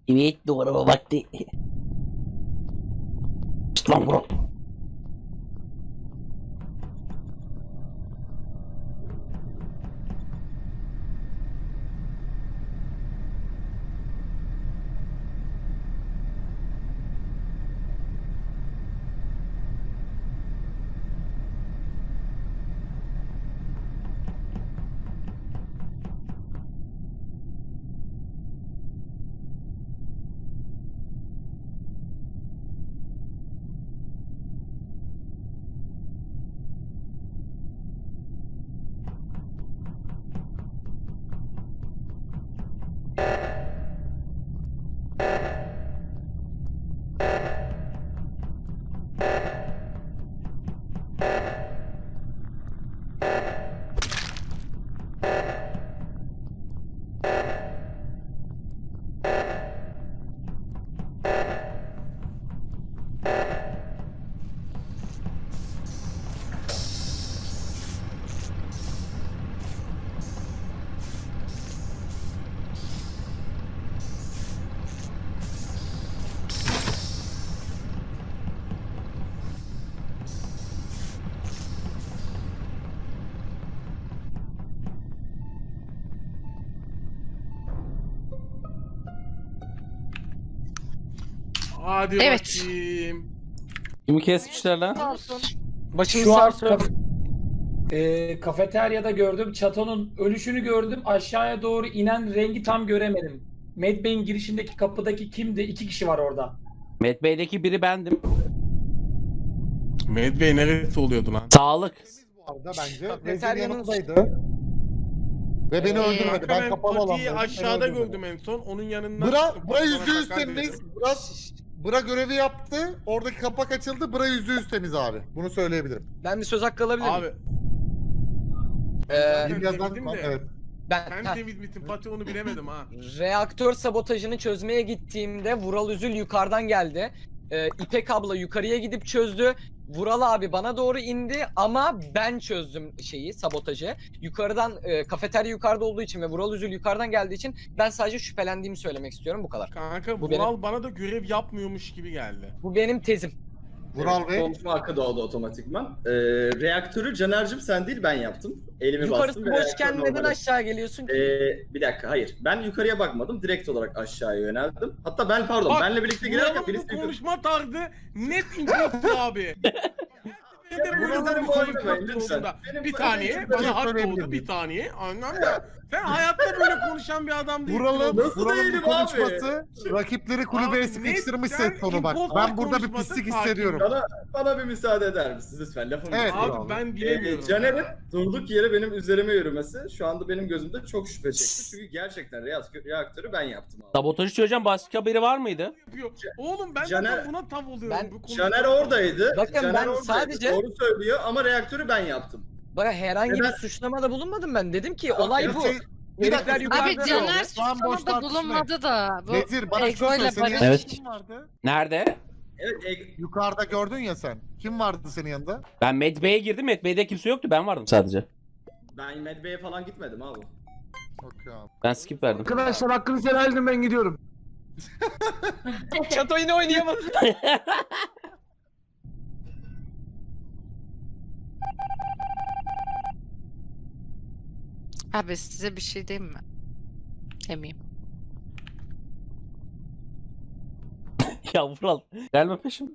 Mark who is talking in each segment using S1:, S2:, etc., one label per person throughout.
S1: Evet doğru vakti. Lan bro.
S2: Hadi
S3: Evet.
S2: bakayım.
S1: Kimi kesmişler lan?
S3: Başımız
S4: Şu an
S3: sağ olsun.
S4: kafeteryada gördüm. Çatonun ölüşünü gördüm. Aşağıya doğru inen rengi tam göremedim. Medbay'in girişindeki kapıdaki kimdi? 2 kişi var orada.
S1: Met Bey'deki biri bendim.
S2: Medvey neresi oluyordu lan?
S1: Sağlık.
S5: Vardı bence. Vezir
S3: Kafeteryanın-
S5: yanımdaydı. Ve beni öldürmedi.
S2: Kanka
S5: Ben
S2: ben
S5: kapalı
S2: Pati'yi
S5: alandaydım.
S2: aşağıda
S5: beni öldürmedi.
S2: gördüm en son. Onun yanından
S5: Bra,
S2: çıktım,
S5: bura
S2: bana
S5: %100
S2: sakar
S5: temiz.
S2: dedim.
S5: Bra görevi yaptı. Oradaki kapak açıldı. Bura %100 temiz abi. Bunu söyleyebilirim.
S3: Ben bir söz hakkı alabilir miyim?
S2: Abi
S3: Ee,
S2: ben
S5: Yazan,
S2: temizdim de.
S5: evet.
S2: Sen
S3: ben
S2: temiz misin Pati onu bilemedim ha.
S3: reaktör sabotajını çözmeye gittiğimde Vural Üzül yukarıdan geldi. İpek abla yukarıya gidip çözdü. Vural abi bana doğru indi ama ben çözdüm sabotajı. Yukarıdan kafeterya yukarıda olduğu için ve Vural Üzül yukarıdan geldiği için ben sadece şüphelendiğimi söylemek istiyorum, bu kadar.
S2: Kanka
S3: Bu
S2: Vural bana da görev yapmıyormuş gibi geldi.
S3: Bu benim tezim.
S5: Vural Bey.
S6: Konuşma hakkı doğdu otomatikman. Reaktörü Caner'cim sen değil ben yaptım. Elimi
S3: Yukarısı
S6: bastım ve
S3: boşken
S6: reaktör
S3: neden
S6: normale-
S3: aşağı geliyorsun ki?
S6: Bir dakika hayır. Ben yukarıya bakmadım. Direkt olarak aşağıya yöneldim. Hatta ben pardon
S2: Bak,
S6: benle birlikte girerken
S2: Vural'ın
S6: birisi
S2: bu
S6: yukarı...
S2: konuşma tarzı net imposter abi. Bir de böyle
S6: Vural'ın
S2: bir
S6: bu
S2: konuşma
S6: oynamayın lütfen.
S2: olduğunda.
S6: Benim
S2: Bir
S6: bu-
S2: saniye
S6: benim-
S2: bana hak
S5: söyleyebilir
S2: doğdu
S5: miyim?
S2: bir saniye. Anlam da sen hayatta böyle konuşan bir adam değilsin.
S5: Vural'ın
S6: Nasıl değilim
S5: bu
S6: abi?
S5: konuşması rakipleri kulübeye
S2: Abi,
S5: sıkıştırmış
S2: net sen
S5: ses tonu bak.
S2: impostor
S5: Ben burada bir
S2: konuşması
S5: pislik
S2: farkında.
S5: hissediyorum.
S6: Bana bir müsaade eder misiniz lütfen lafımı
S5: Evet.
S6: bitireyim.
S2: Abi ben bilemiyorum.
S6: Caner'in durduk yere benim üzerime yürümesi şu anda benim gözümde çok şüphe çekti. Çünkü gerçekten reaktörü ben yaptım abi.
S1: Sabotajı çözeceğim, başka biri var mıydı?
S2: Yapıyor. Oğlum ben
S6: Caner-
S2: zaten buna tav oluyorum.
S3: Ben-
S2: bu konuşma-
S6: Caner oradaydı.
S3: Bakın
S6: Caner
S3: ben
S6: oradaydı.
S3: sadece-
S6: Doğru söylüyor ama reaktörü ben yaptım.
S3: Bak herhangi
S6: Neden-
S3: bir suçlamada bulunmadım ben. Dedim ki olay bu.
S5: Şey, bir
S3: Herifler
S5: dakika,
S3: yukarıda
S7: Abi
S3: ne
S7: Caner
S3: oldu?
S5: Şu an boş
S7: suçlamada
S5: tartışmayın.
S7: bulunmadı da. Bu
S5: Vezir bana şunu
S7: Ego'yla
S5: söyle. Senin
S7: Barış-
S5: yanında
S1: Evet.
S5: kim vardı?
S1: Nerede?
S6: Evet,
S5: Yukarıda gördün ya sen. Kim vardı senin yanında?
S1: Ben Met Bey'e girdim. Met Bey'de kimse yoktu. Ben vardım sadece.
S6: ben Medbay'e falan gitmedim abi.
S5: Okey abi.
S1: Ben skip verdim.
S8: Arkadaşlar hakkınızı helal edin, ben gidiyorum.
S3: Çato yine oynayamadı.
S7: Abi size bir şey diyeyim mi? Demeyeyim.
S1: Ya Vural. Gelme peşim.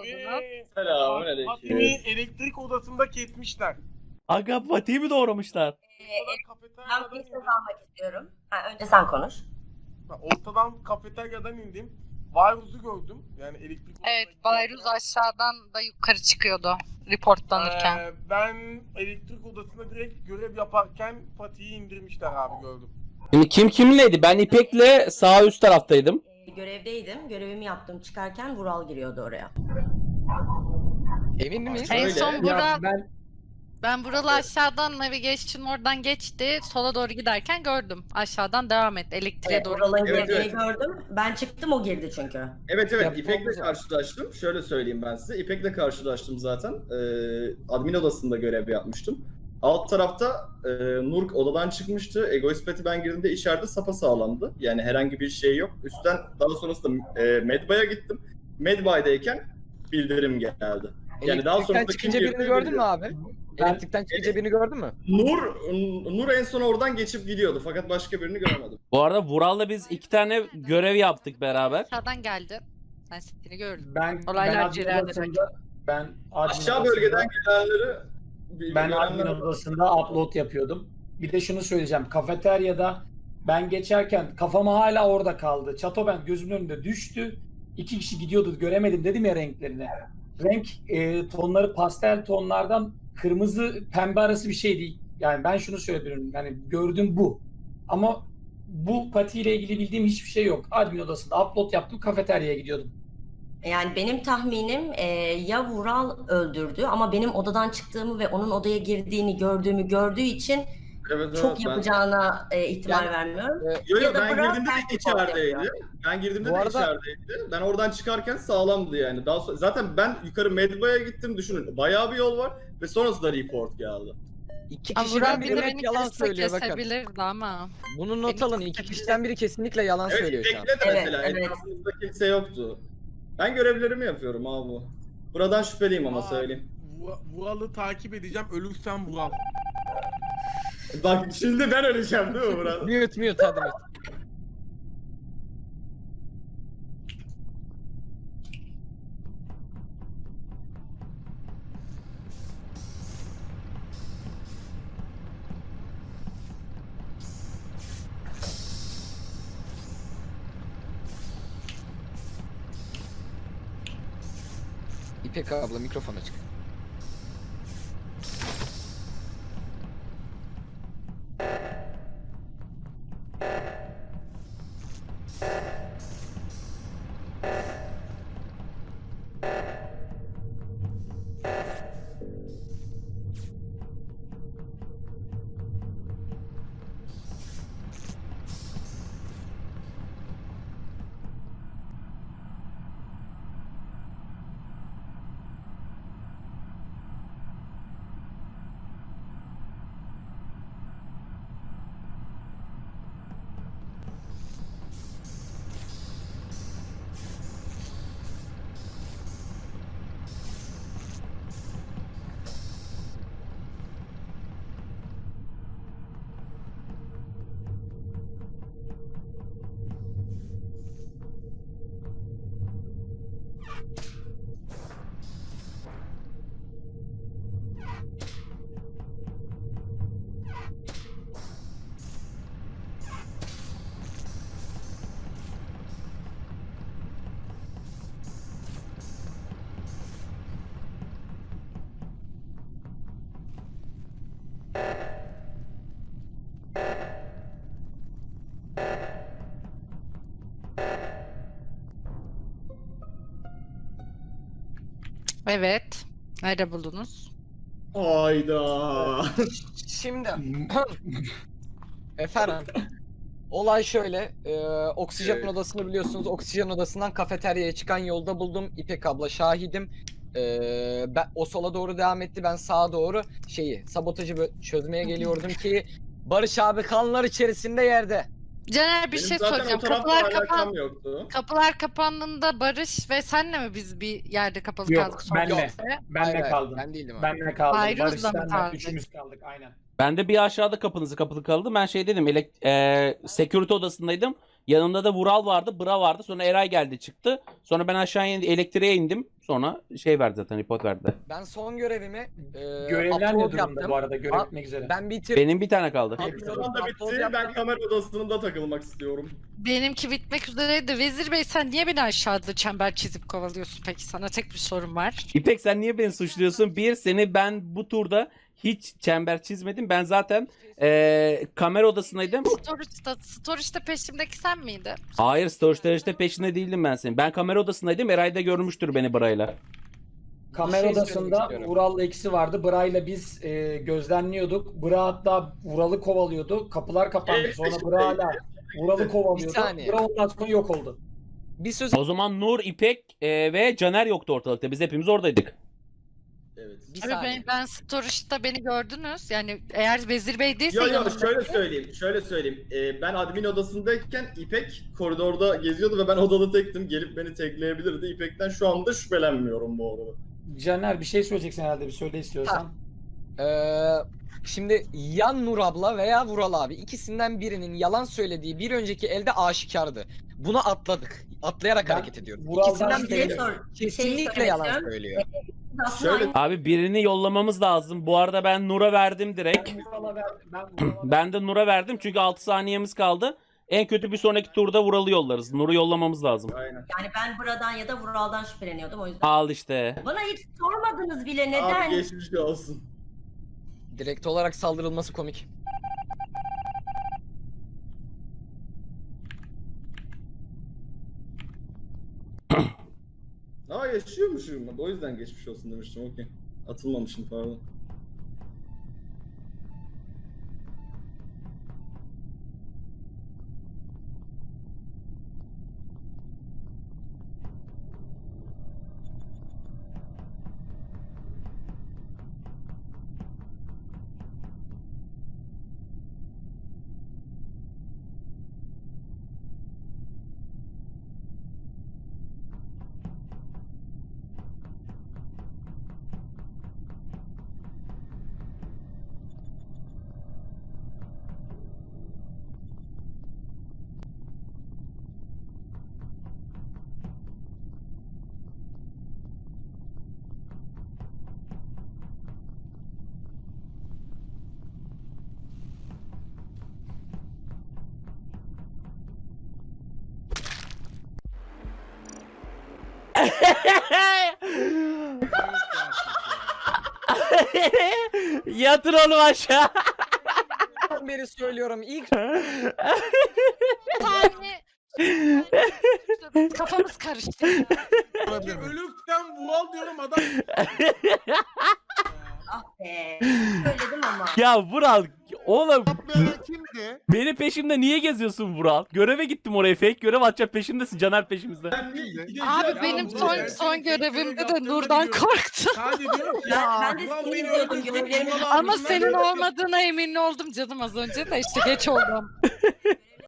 S7: oldunuz?
S6: Selamünaleyküm.
S2: Fatih'i elektrik odasında kesmişler.
S1: Aga Fatih'i mi doğramışlar?
S9: Ben bir söz almak istiyorum. Önce sen konuş.
S2: Ortadan kafeteryadan indim. Virus'u gördüm. Yani elektrik
S7: Evet,
S2: odasına
S7: Bayruz aşağıdan da yukarı çıkıyordu reportlanırken.
S2: Ben elektrik odasında direkt görev yaparken Fatih'i indirmişler abi gördüm.
S1: Şimdi kim kiminleydi? Ben İpek'le sağ üst taraftaydım.
S9: Görevdeydim. Görevimi yaptım. Çıkarken Vural giriyordu oraya.
S3: Emin miyiz?
S7: En
S6: Öyle.
S7: son Burak,
S4: Ya
S7: ben Vural'ı aşağıdan navigation oradan geçti. Sola doğru giderken gördüm. Aşağıdan devam et. Elektriğe
S9: Evet,
S7: doğru.
S9: Vural'ın
S6: Evet,
S9: girdiğini
S6: evet.
S9: gördüm. Ben çıktım, o girdi çünkü.
S6: Evet
S3: Ya,
S6: İpek'le
S3: olmaz.
S6: karşılaştım. Şöyle söyleyeyim ben size. İpek'le karşılaştım zaten. Admin odasında görev yapmıştım. Alt tarafta Nur odadan çıkmıştı. Egoist Pet'i ben girdiğimde içeride sapasağlamdı. Yani herhangi bir şey yok. Üstten daha sonrasında Medbay'a gittim. Medbay'dayken bildirim geldi. Yani daha
S3: Elektrikten
S6: sonrasında
S3: çıkınca
S6: kim
S3: birini
S6: girdi
S3: gördün mü
S6: bilmiyorum.
S3: abi? Elektrikten çıkınca birini gördün mü?
S6: Nur en son oradan geçip gidiyordu fakat başka birini göremedim.
S1: Bu arada Vural'la biz 2 tane görev yaptık beraber.
S7: Aşağıdan geldi. Ben seni gördüm.
S4: ben
S7: Olaylar
S4: admin
S7: cereyan
S4: odasında ben admin
S6: Aşağı
S4: odasında-
S6: bölgeden gelenleri
S4: Ben
S6: görenler-
S4: admin odasında upload yapıyordum. Bir de şunu söyleyeceğim. Kafeteryada ben geçerken kafama hala orada kaldı. Çato ben gözümün önünde düştü. 2 kişi gidiyordu, göremedim dedim ya renklerini. Renk tonları pastel tonlardan kırmızı pembe arası bir şey değil. Yani ben şunu söyleyebilirim. Yani gördüm bu. Ama bu patiyle ilgili bildiğim hiçbir şey yok. Admin odasında upload yaptım, kafeteryaya gidiyordum.
S9: Yani benim tahminim ya Vural öldürdü ama benim odadan çıktığımı ve onun odaya girdiğini gördüğü için
S6: Evet,
S9: çok
S6: ben-
S9: yapacağına ihtimal
S3: Yani,
S9: vermiyorum.
S6: Yo,
S9: Ya da
S6: ben
S9: Burak
S6: girdiğimde de
S9: self-report
S6: içerideydi.
S9: yapıyor.
S6: Ben girdiğimde
S3: Bu
S6: de
S3: arada-
S6: içerideydi. Ben oradan çıkarken sağlamdı yani. Daha sonra, zaten ben yukarı Medbay'a gittim düşünün. Bayağı bir yol var ve sonrasında report geldi.
S3: İki
S7: Ama
S3: kişiden
S7: Vural bir
S3: biri
S7: de
S3: net
S7: beni
S3: yalan
S7: kesse
S3: söylüyor bakın.
S7: kesebilirdi ama.
S3: Bunu not alın. İki kişiden biri kesinlikle yalan
S6: Evet
S3: söylüyor şu an.
S6: İpek'le de
S9: Evet,
S6: mesela
S9: evet.
S6: etrafımızda kimse yoktu. Ben görevlerimi yapıyorum abi. Buradan şüpheliyim ama
S2: Aa,
S6: söyleyeyim.
S2: Vural'ı takip edeceğim. Ölürsem Vural.
S6: Bak şimdi ben öleceğim değil mi Murat?
S3: Mute hadi mute. İpek abla mikrofon açık.
S7: Evet. Nerede buldunuz?
S6: Hayda.
S3: Şimdi efendim olay şöyle oksijen
S6: Evet.
S3: odasını biliyorsunuz, oksijen odasından kafeteryaya çıkan yolda buldum. İpek abla şahidim. Ben o sola doğru devam etti, ben sağa doğru sabotajı çözmeye geliyordum ki Barış abi kanlar içerisinde yerde.
S7: Caner bir
S6: Benim
S7: şey
S6: zaten
S7: soracağım.
S6: o tarafla alakam yoktu.
S7: Kapılar kapandığında Barış ve senle mi biz bir yerde kapalı
S4: Yok,
S7: kaldık? sonra?
S4: benle.
S7: Yok.
S4: Benle kaldım.
S3: Ben değildim abi.
S4: Benle kaldım.
S7: Bayruz'la mı
S4: Barış'tan
S7: kaldık?
S4: üçümüz kaldık aynen.
S1: Ben de bir aşağıda kapınızı kapalı kaldı. Ben dedim security odasındaydım. Yanımda da Vural vardı, Bra vardı. Sonra Eray geldi çıktı. Sonra ben aşağıya elektriğe indim. Sonra şey verdi zaten, report verdi.
S3: Ben son görevimi
S4: Görevler ne
S3: upload
S4: durumda
S3: yaptım.
S4: bu arada? Görev bitmek üzere.
S3: Ben bitirdim.
S1: Benim bir tane kaldı.
S6: Admin da bitti. Ben kamera odasında takılmak istiyorum.
S7: Benimki bitmek üzereydi. Vezir Bey sen niye beni aşağıda çember çizip kovalıyorsun peki? Sana tek bir sorum var.
S1: İpek sen niye beni suçluyorsun? Bir, seni ben bu turda hiç çember çizmedim. Ben zaten kamera odasındaydım.
S7: Storage'da peşimdeki sen miydin?
S1: Hayır, storage'da peşinde değildim ben senin. Ben kamera odasındaydım. Eray da görmüştür beni Bray'la.
S4: Kamera
S3: Bir şey
S4: odasında
S3: söylemek istiyorum.
S4: Vural'la ikisi vardı. Bra'yla biz gözlemliyorduk. Bra hatta Vural'ı kovalıyordu. Kapılar kapandı. Sonra Bra hala Vural'ı kovalıyordu.
S3: saniye.
S4: Bra ondan sonra yok oldu.
S3: Bir söz
S1: O zaman Nur, İpek ve Caner yoktu ortalıkta. Biz hepimiz oradaydık.
S6: Evet.
S3: bir
S7: Abi
S3: saniye.
S7: ben Storage'da beni gördünüz. Yani eğer Vezir Bey değilse
S6: Yo
S7: yanımda-
S6: şöyle söyleyeyim. Ben admin odasındayken İpek koridorda geziyordu ve ben odada tektim. Gelip beni tekleyebilirdi. İpek'ten şu anda şüphelenmiyorum bu arada.
S4: Caner bir şey söyleyeceksin herhalde. Bir söyle istiyorsan.
S3: Şimdi ya Nur abla veya Vural abi ikisinden birinin yalan söylediği bir önceki elde aşikardı. Bunu atladık. Atlayarak
S4: Ben
S3: hareket ediyoruz.
S4: Vural'dan
S3: İkisinden
S9: Bir şey
S3: biri
S4: şüpheleniyorum.
S3: kesinlikle yalan
S9: söyleyeceğim.
S3: söylüyor.
S9: Aslında
S6: Şöyle-
S9: aynı
S1: Abi birini yollamamız lazım. Bu arada ben Nur'a verdim direkt.
S4: Ben Vural'a verdim.
S1: Ben de Nur'a verdim çünkü 6 saniyemiz kaldı. En kötü bir sonraki turda Vural'ı yollarız. Nur'u yollamamız lazım.
S6: Aynen.
S9: Yani ben Bra'dan ya da Vural'dan şüpheleniyordum o yüzden.
S1: Al işte.
S9: Bana hiç sormadınız bile neden?
S6: Abi geçmiş olsun.
S3: Direkt olarak saldırılması komik.
S6: Aa yaşıyormuşum. O yüzden geçmiş olsun demiştim. Okey. Atılmamışım pardon.
S1: Yatır onu aşağı.
S3: Ben beri söylüyorum ilk
S7: Tane... Kafamız karıştı. ya.
S2: Ölükten Vural diyorum adam.
S9: Ah be. Söyledim ama.
S1: Ya Vural oğlum
S5: Yapmayan kimdi?
S1: beni peşimde niye geziyorsun Vural? Göreve gittim oraya, fake görev atacak peşimdesin, Caner peşimizde.
S5: Kimdi?
S7: Abi benim son görevimde de Nur'dan korktum.
S2: Sadece diyorum ki
S9: Ben-
S2: ya
S9: ben de
S2: Vural
S9: seni
S2: beni
S9: izliyordum,
S2: öldürsün,
S9: görevlerimi-
S2: Vural
S7: Ama
S2: abisinden
S7: senin
S2: öldürsün.
S7: olmadığına emin oldum canım az önce de işte geç oldum.